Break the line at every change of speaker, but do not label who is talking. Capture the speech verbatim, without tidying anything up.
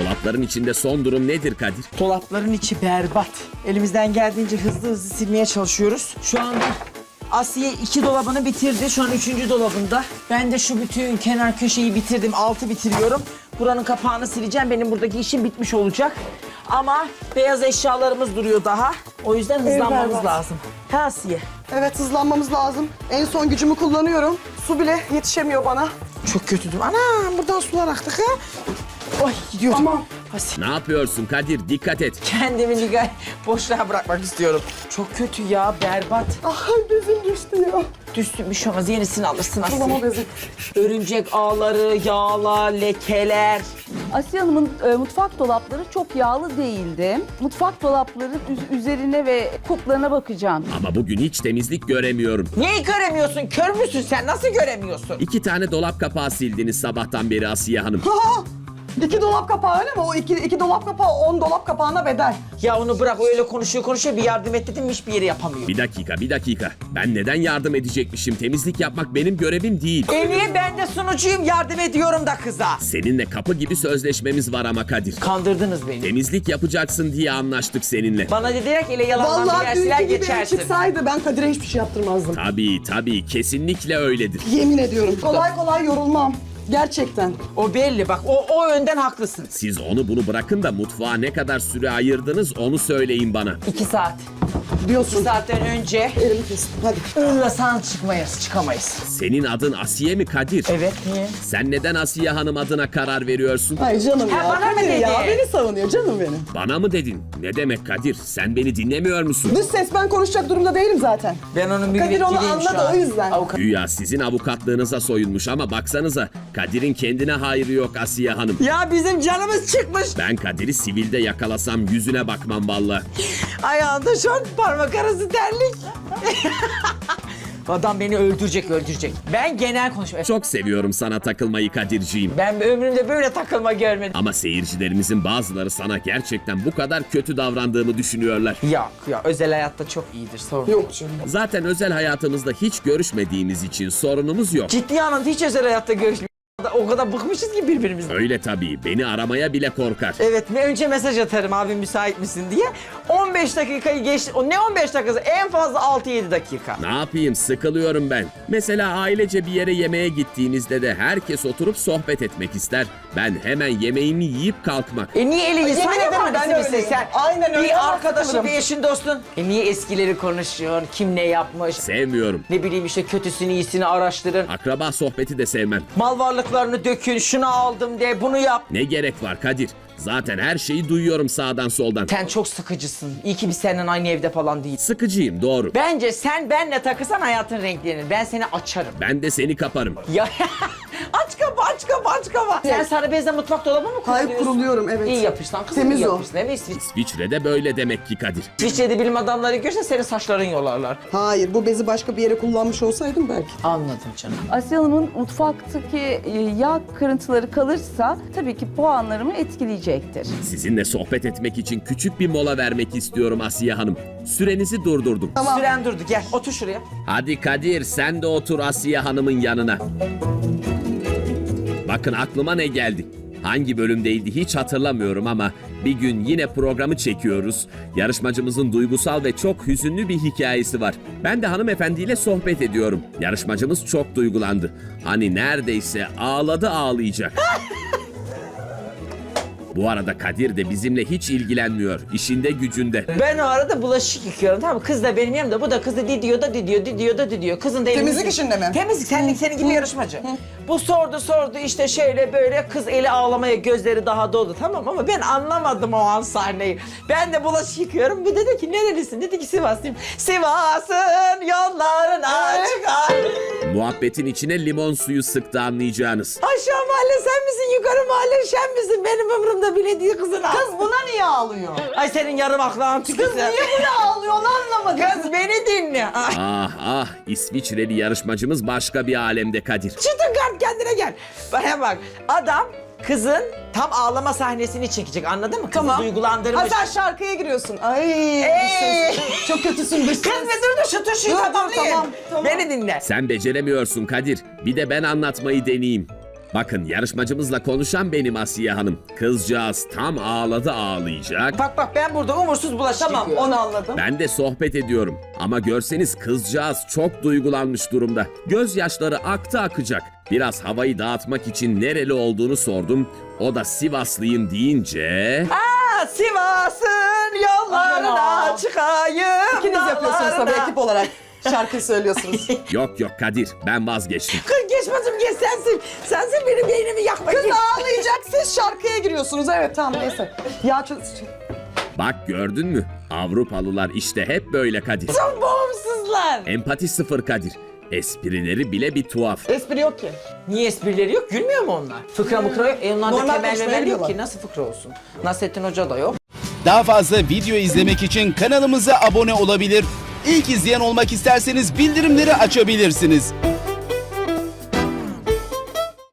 Dolapların içinde son durum nedir Kadir?
Dolapların içi berbat. Elimizden geldiğince hızlı hızlı silmeye çalışıyoruz. Şu anda Asiye iki dolabını bitirdi. Şu an üçüncü dolabında. Ben de şu bütün kenar köşeyi bitirdim. Altı bitiriyorum. Buranın kapağını sileceğim. Benim buradaki işim bitmiş olacak. Ama beyaz eşyalarımız duruyor daha. O yüzden hızlanmamız
berbat.
lazım. Ha Asiye?
Evet, hızlanmamız lazım. En son gücümü kullanıyorum. Su bile yetişemiyor bana.
Çok kötüdüm. Ana buradan sular aktı ha. Oy gidiyorum.
Aman.
Asiye.
Ne yapıyorsun Kadir? Dikkat et.
Kendimi ligay boşluğa bırakmak istiyorum. Çok kötü ya, berbat.
Ah, bezim düştü ya.
Düştü bir şey olmaz, yenisini alırsın Asiye.
Sulama bezi.
Örümcek ağları, yağlar, lekeler.
Asiye Hanım'ın e, mutfak dolapları çok yağlı değildi. Mutfak dolapları üz- üzerine ve kuplarına bakacağım.
Ama bugün hiç temizlik göremiyorum.
Neyi göremiyorsun? Kör müsün sen? Nasıl göremiyorsun?
İki tane dolap kapağı sildiniz sabahtan beri Asiye Hanım.
Ha! İki dolap kapağı öyle mi? O iki, iki dolap kapağı on dolap kapağına bedel.
Ya onu bırak, öyle konuşuyor konuşuyor, bir yardım et dedim hiçbir yere yapamıyor.
Bir dakika, bir dakika. Ben neden yardım edecekmişim? Temizlik yapmak benim görevim değil.
E niye, ben de sunucuyum, yardım ediyorum da kıza.
Seninle kapı gibi sözleşmemiz var ama Kadir.
Kandırdınız beni.
Temizlik yapacaksın diye anlaştık seninle.
Başka dediler ki ele yalandan
Vallahi
bir yersiler
dünkü gibi
geçersin.
çıksaydı ben Kadir'e hiçbir şey yaptırmazdım.
Tabii tabii, kesinlikle öyledir.
Yemin ediyorum. Kolay kolay yorulmam. Gerçekten.
O belli bak, o, o yönden haklısın.
Siz onu bunu bırakın da mutfağa ne kadar süre ayırdınız onu söyleyin bana.
İki saat. İki
Diyorsun.
saatten önce
Elimi kestim. Hadi.
ınlasan çıkmayız, çıkamayız.
Senin adın Asiye mi Kadir?
Evet, niye?
Sen neden Asiye Hanım adına karar veriyorsun?
Ay canım
Ha,
ya.
bana mı
Kadir
dedi?
ya. Beni savunuyor canım benim.
Bana mı dedin? Ne demek Kadir? Sen beni dinlemiyor musun?
Dış ses, ben konuşacak durumda değilim zaten.
Ben onun
Kadir onu
müvekkiliyim şu
anladı,
an.
o yüzden.
Avukat.
Güya sizin avukatlığınıza soyunmuş ama baksanıza Kadir'in kendine hayrı yok Asiye Hanım.
Ya bizim canımız çıkmış.
Ben Kadir'i sivilde yakalasam yüzüne bakmam vallahi.
Ayağında şort, parmak arası terlik. Adam beni öldürecek, öldürecek. Ben genel konuşuyorum.
Çok seviyorum sana takılmayı Kadirciğim.
Ben ömrümde böyle takılma görmedim.
Ama seyircilerimizin bazıları sana gerçekten bu kadar kötü davrandığımı düşünüyorlar.
Yok ya, özel hayatta çok iyidir, sorun.
Yok canım.
Zaten özel hayatımızda hiç görüşmediğimiz için sorunumuz yok.
Ciddi anlamda hiç özel hayatta görüşmüyoruz. O kadar bıkmışız ki birbirimizden.
Öyle tabii, beni aramaya bile korkar.
Evet, önce mesaj atarım abi müsait misin diye. on beş dakikayı geçti. O ne on beş dakikası? En fazla altı yedi dakika.
Ne yapayım, sıkılıyorum ben. Mesela ailece bir yere yemeğe gittiğinizde de herkes oturup sohbet etmek ister. Ben hemen yemeğimi yiyip kalkmak.
E niye elini
Yemin
sen
ederim
yapar
ben
mısın
öyleyim.
sen?
Aynen öyle,
Bir
ama
arkadaşın,
sıkılırım.
bir eşin, dostun. E niye eskileri konuşuyorsun? Kim ne yapmış?
Sevmiyorum.
Ne bileyim işte, kötüsünü iyisini araştırın.
Akraba sohbeti de sevmem.
Mal varlıklarını dökün, şunu aldım de, bunu yap.
Ne gerek var Kadir? Zaten her şeyi duyuyorum sağdan soldan.
Sen çok sıkıcısın. İyi ki biz seninle aynı evde falan değiliz.
Sıkıcıyım, doğru.
Bence sen benle takılsan hayatın renklenir. Ben seni açarım.
Ben de seni kaparım.
Ya aç kapı, aç kapı, aç kapı. Sen sarı bezle mutfak dolabı mı kuruluyorsun?
Hayır, kuruluyorum, evet.
İyi yapıyorsun lan kızım,
Temiz
iyi
o.
yapıyorsun. Değil mi? İsviç-
İsviçre'de böyle demek ki Kadir.
İsviçre'de bilim adamları görse senin saçların yolarlar.
Hayır, bu bezi başka bir yere kullanmış olsaydım belki.
Anladım canım.
Asiye Hanım'ın mutfaktaki e, yağ kırıntıları kalırsa tabii ki puanlarımı etkileyecektir.
Sizinle sohbet etmek için küçük bir mola vermek istiyorum Asiye Hanım. Sürenizi durdurdum.
Tamam.
Süren durdu, gel otur şuraya.
Hadi Kadir, sen de otur Asiye Hanım'ın yanına. Bakın aklıma ne geldi. Hangi bölümdeydi hiç hatırlamıyorum ama bir gün yine programı çekiyoruz. Yarışmacımızın duygusal ve çok hüzünlü bir hikayesi var. Ben de hanımefendiyle sohbet ediyorum. Yarışmacımız çok duygulandı. Hani neredeyse ağladı ağlayacak. Bu arada Kadir de bizimle hiç ilgilenmiyor. İşinde gücünde.
Ben o arada bulaşık yıkıyorum, tamam mı? Kız da benim yanımda, bu da kızı didiyor da didiyor, didiyor da didiyor. Kızın da elini-
Temizlik işinde mi?
Temizlik, senlik senin gibi yarışmacı. Bu sordu sordu işte şöyle böyle, kız eli ağlamaya, gözleri daha doldu, tamam, ama ben anlamadım o an sahneyi. Ben de bulaşık yıkıyorum, bu dedi ki nerelisin? Dedi ki Sivaslıyım. Sivas'ın yollarına çıkar.
Muhabbetin içine limon suyu sıktı anlayacağınız.
Aşağı mahalle sen misin, yukarı mahalle sen misin? Benim ömrümde bile değil kızın.
Kız buna niye ağlıyor?
Ay senin yarım aklın tükürsen.
Niye buna ağlıyor, onu anlamadım.
Kız beni dinle. Ay.
Ah ah, İsviçreli yarışmacımız başka bir alemde Kadir.
Çıtın kart, kendine gel. Bana bak, adam kızın tam ağlama sahnesini çekecek, anladın mı? Kızı
Tamam.
duygulandırmış.
Ha, sen şarkıya giriyorsun. Ay,
Ey!
dış ses. Çok kötüsün dış ses.
Kız be dur dur, şu tuşu
Dur, dur,
tamamlayın.
tamam, tamam.
Beni dinle.
Sen beceremiyorsun Kadir. Bir de ben anlatmayı deneyeyim. Bakın yarışmacımızla konuşan benim Asiye Hanım. Kızcağız tam ağladı ağlayacak.
Bak bak ben burada umursuz bulaşık
Tamam,
yıkıyorum.
onu anladım.
Ben de sohbet ediyorum. Ama görseniz kızcağız çok duygulanmış durumda. Gözyaşları aktı akacak. Biraz havayı dağıtmak için nereli olduğunu sordum. O da Sivaslıyım deyince...
Aa, Sivas'ın yollarına
Aa.
çıkayım.
İkiniz yapıyorsunuz tabii
dağlarına.
ekip olarak. Şarkı söylüyorsunuz.
Yok yok Kadir, ben vazgeçtim.
Kız geçmezim geç sensin. Sensin benim beynimi yakma.
Kız
Git.
ağlayacak, siz şarkıya giriyorsunuz. Evet tamam neyse. Ya ç-
Bak gördün mü? Avrupalılar işte hep böyle Kadir.
Çok bağımsızlar.
Empati sıfır Kadir. Esprileri bile bir tuhaf.
espri yok ki.
Niye esprileri yok? Gülmüyor mu onlar? Fıkra mıkra yok. E onlarda
Normal
temel
konuşmayı
memel yok
biliyorlar.
ki. Nasıl fıkra olsun? Nasrettin Hoca da yok.
Daha fazla video izlemek için kanalımıza abone olabilir. İlk izleyen olmak isterseniz bildirimleri açabilirsiniz.